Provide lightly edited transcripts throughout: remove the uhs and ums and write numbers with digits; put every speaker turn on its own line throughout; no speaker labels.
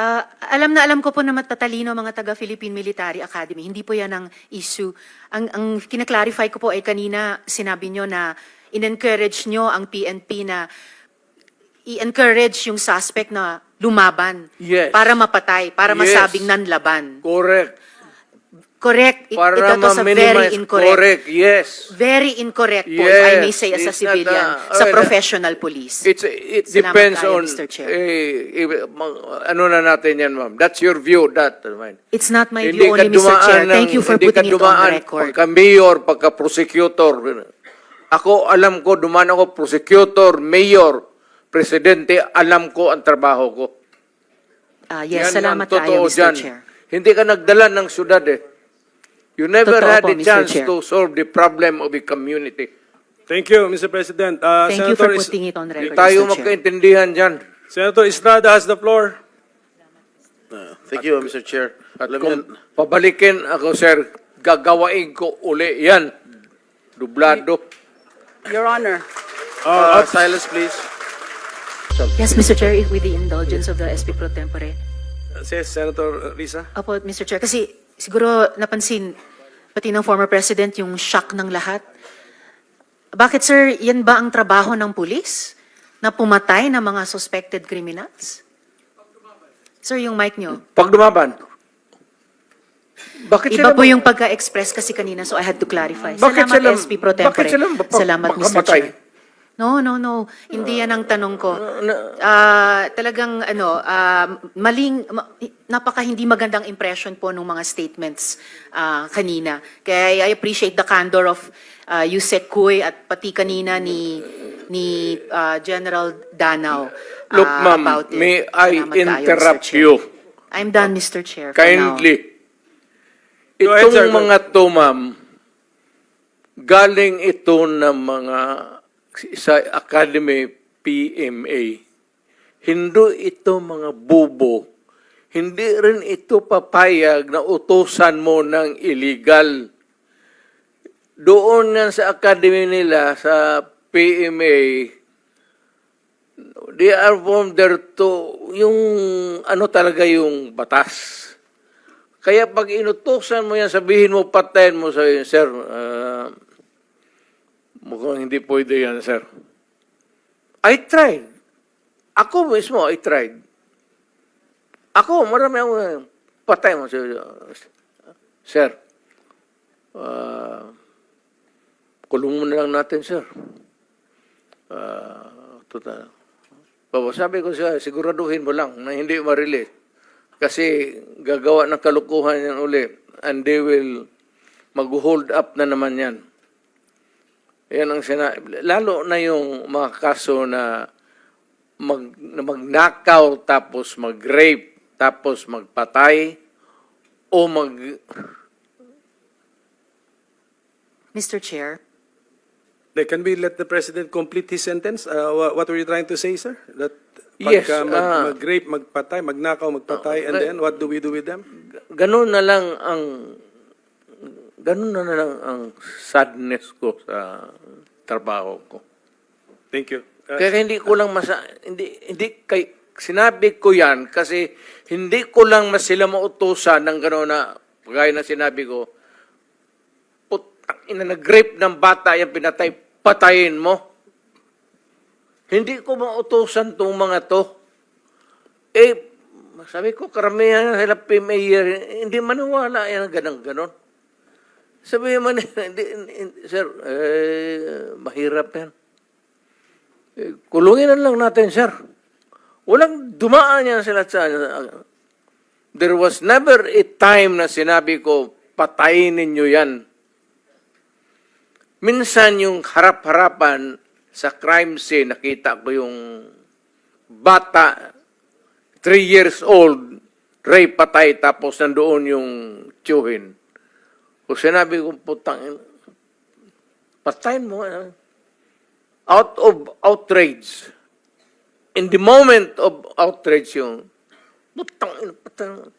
Alam na alam ko po na matatalino mga taga Philippine Military Academy. Hindi po yan ang issue. Ang kinaklarify ko po ay kanina sinabi nyo na in-encourage nyo ang PNP na i-encourage yung suspect na lumaban.
Yes.
Para mapatay, para
Yes.
masabing nanlaban.
Correct.
Correct.
Para
Ito sa very
ma-minimize.
incorrect.
Correct, yes.
Very incorrect po, if I may
Yes.
say, as a
It's not,
civilian, sa professional police.
It
Salamat
depends
tayo,
on,
Mr. Chair.
ano na natin yan, ma'am. That's your view, that.
It's not my view only, Mr. Chair. Thank you for putting it on the record.
Pagka-mayor, pagka-prosecutor. Ako, alam ko, dumaan ako, prosecutor, mayor, presidente, alam ko ang trabaho ko.
Yes,
Yan
salamat
ang
tayo,
totoo
Mr.
dyan.
Chair.
Hindi ka nagdala ng syudad eh. You never
Totoo
had
po,
a
Mr.
chance
Chair.
to solve the problem of the community.
Thank you, Mr. President.
Thank you for putting it on
Hindi
record,
tayo
Mr. Chair.
magkaintindihan dyan.
Senator Estrada has the floor.
Thank you, Mr. Chair.
At kung pabalikin ako, sir, gagawain ko uli yan. Dublado.
Your Honor. Silence, please.
Yes, Mr. Chair, if with the indulgence of the SP Pro Tempore.
Says Senator Risa.
Opo, Mr. Chair, kasi siguro napansin, pati ng former president, yung shock ng lahat. Bakit, sir, yan ba ang trabaho ng pulis? Na pumatay ng mga suspected criminals? Sir, yung mic nyo.
Pag dumaban. Bakit
Iba
sila
po yung pagka-express kasi kanina, so I had to clarify.
Bakit
Salamat,
sila-
SP Pro Tempore.
bakit sila
Salamat, Mr.
makamatay?
Chair. No. Hindi yan ang tanong ko. Talagang, napaka hindi magandang impression po ng mga statements kanina. Kaya I appreciate the candor of Yusek Kuy at pati kanina ni General Danao
Look, ma'am,
about it.
may I
Salamat tayo, Mr.
interrupt
Chair.
you?
I'm done, Mr. Chair. for now.
Kindly.
Go ahead,
Itong
sir.
mga to, ma'am, galing ito ng mga sa Academy PMA. Hindi ito mga bubo. Hindi rin ito papayag na utusan mo ng illegal. Doon yan sa Academy nila, sa PMA, they are from there to, yung ano talaga yung batas. Kaya pag inutusan mo yan, sabihin mo, patayin mo, sabihin, sir, mukhang hindi pwede yan, sir. I tried. Ako mismo, I tried. Ako, marami ako, patay mo, sir. Kulong mo na lang natin, sir. Total. Sabi ko siya, siguraduhin mo lang na hindi ma-release. Kasi gagawa ng kalukuhan yan uli. And they will mag-hold up na naman yan. Yan ang lalo na yung mga kaso na mag-knockout, tapos mag-rape, tapos magpatay, o
Mr. Chair.
Can we let the President complete his sentence? What were you trying to say, sir? That
Yes,
pagka mag-rape, magpatay, magnakaw, magpatay, and then what do we do with them?
ganun na lang ang sadness ko sa trabaho ko.
Thank you.
Kaya hindi ko lang sinabi ko yan kasi hindi ko lang sila mautusan ng gano'n na, gaya na sinabi ko, nag-rape ng bata, yung pinatay, patayin mo. Hindi ko mautusan itong mga to. Sabi ko, karamihan sila PMA, hindi maniwala yan, ganon. Sabi man, sir, mahirap yan. Kulungin na lang natin, sir. Walang dumaan yan sila sa... There was never a time na sinabi ko, patayin ninyo yan. Minsan yung harap-harapan sa crime scene, nakita ko yung bata, 3 years old, rape, patay, tapos nandoon yung tiyuhin. Kung sinabi ko, putang, patayin mo. Out of outrage. In the moment of outrage yung, putang, putang.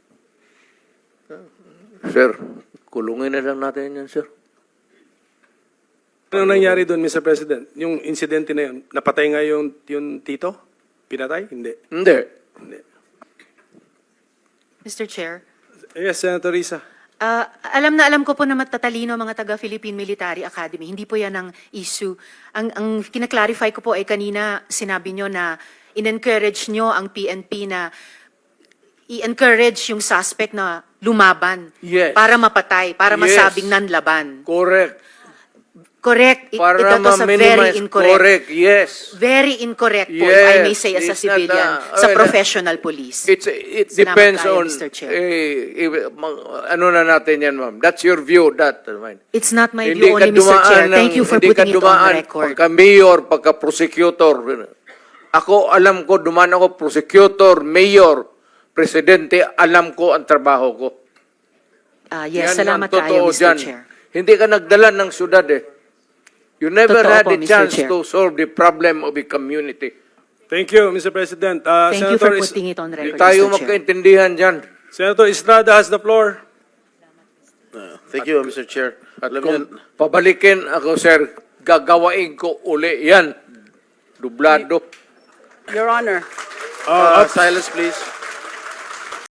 Sir, kulungin na lang natin yan, sir.
Ano nangyari doon, Mr. President? Yung insidente na yun, napatay nga yung tito? Pinatay? Hindi.
Hindi.
Hindi.
Mr. Chair.
Yes, Senator Risa.
Alam na alam ko po na matatalino mga taga Philippine Military Academy. Hindi po yan ang issue. Ang kinaklarify ko po ay kanina sinabi nyo na in-encourage nyo ang PNP na i-encourage yung suspect na lumaban.
Yes.
Para mapatay, para
Yes.
masabing nanlaban.
Correct.
Correct.
Para
Ito to sa very
ma-minimize.
incorrect.
Correct, yes.
Very incorrect po, if I may
Yes.
say as a
It's not,
civilian, sa
well,
professional police.
It
Salamat
depends
tayo,
on,
Mr. Chair.
ano na natin yan, ma'am. That's your view, that.
It's not my
Hindi
view
ka
only, Mr. Chair.
dumaan
Thank you for
hindi ka
putting it on
dumaan
record.
Pagka-mayor, pagka-prosecutor. Ako, alam ko, dumaan ako, prosecutor, mayor, presidente, alam ko ang trabaho ko.
Yes,
Yan
salamat
ang
tayo,
totoo
Mr.
dyan.
Chair.
Hindi ka nagdala ng syudad eh. You never
Totoo
had
po,
a
Mr.
chance
Chair.
to solve the problem of the community.
Thank you, Mr. President.
Thank you for
Senator
putting it on
Hindi
record,
tayo
Mr. Chair.
magkaintindihan dyan.
Senator Estrada has the floor.
Thank you, Mr. Chair.
At
Alam
kung
niyo,
pabalikin ako, sir, gagawain ko uli yan. Dublado.
Your Honor, silence, please.